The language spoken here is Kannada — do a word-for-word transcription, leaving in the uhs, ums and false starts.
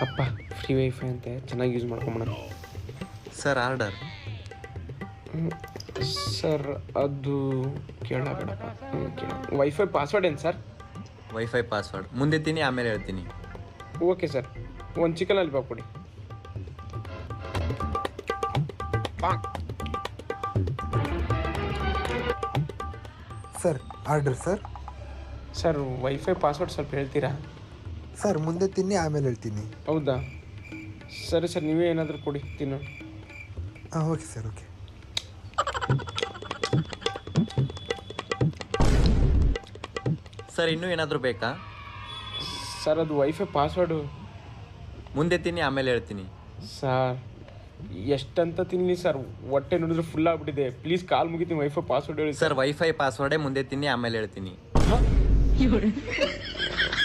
ಅಪ್ಪ ಫ್ರೀ ವೈಫೈ ಅಂತೆ ಚೆನ್ನಾಗಿ ಯೂಸ್ ಮಾಡ್ಕೊಂಬಿಡೋಣ. Sir order. ಸರ್ ಅದು ಕೇಳಬೇಡಪ್ಪ. ಕೇಳ ವೈಫೈ ಪಾಸ್ವರ್ಡ್ ಏನು ಸರ್? ವೈಫೈ ಪಾಸ್ವರ್ಡ್ ಮುಂದೆ ತಿನ್ನಿ ಆಮೇಲೆ ಹೇಳ್ತೀನಿ. ಓಕೆ ಸರ್, ಒಂದು ಚಿಕನ್ ಲಾಲಿಪಾಪ್ ಕೊಡಿ. Sir order sir. Sir wifi password ಸ್ವಲ್ಪ ಹೇಳ್ತೀರಾ? ಸರ್ ಮುಂದೆ ತಿನ್ನಿ ಆಮೇಲೆ ಹೇಳ್ತೀನಿ. ಹೌದಾ ಸರಿ ಸರ್, ನೀವೇ ಏನಾದರೂ ಕೊಡಿ ತಿನ್ನೋ. ಹಾಂ ಓಕೆ ಸರ್ ಓಕೆ. ಸರ್ ಇನ್ನೂ ಏನಾದರೂ ಬೇಕಾ? ಸರ್ ಅದು ವೈಫೈ ಪಾಸ್ವರ್ಡು. ಮುಂದೆ ತಿನ್ನಿ ಆಮೇಲೆ ಹೇಳ್ತೀನಿ. ಸರ್ ಎಷ್ಟಂತ ತಿನ್ನಲಿ ಸರ್, ಹೊಟ್ಟೆ ನೋಡಿದ್ರೆ ಫುಲ್ ಆಗ್ಬಿಟ್ಟಿದೆ. ಪ್ಲೀಸ್ ಕಾಲ್ ಮುಗಿತೀನಿ, ವೈಫೈ ಪಾಸ್ವರ್ಡ್ ಹೇಳಿ ಸರ್. ವೈಫೈ ಪಾಸ್ವರ್ಡೇ ಮುಂದೆ ತಿನ್ನಿ ಆಮೇಲೆ ಹೇಳ್ತೀನಿ.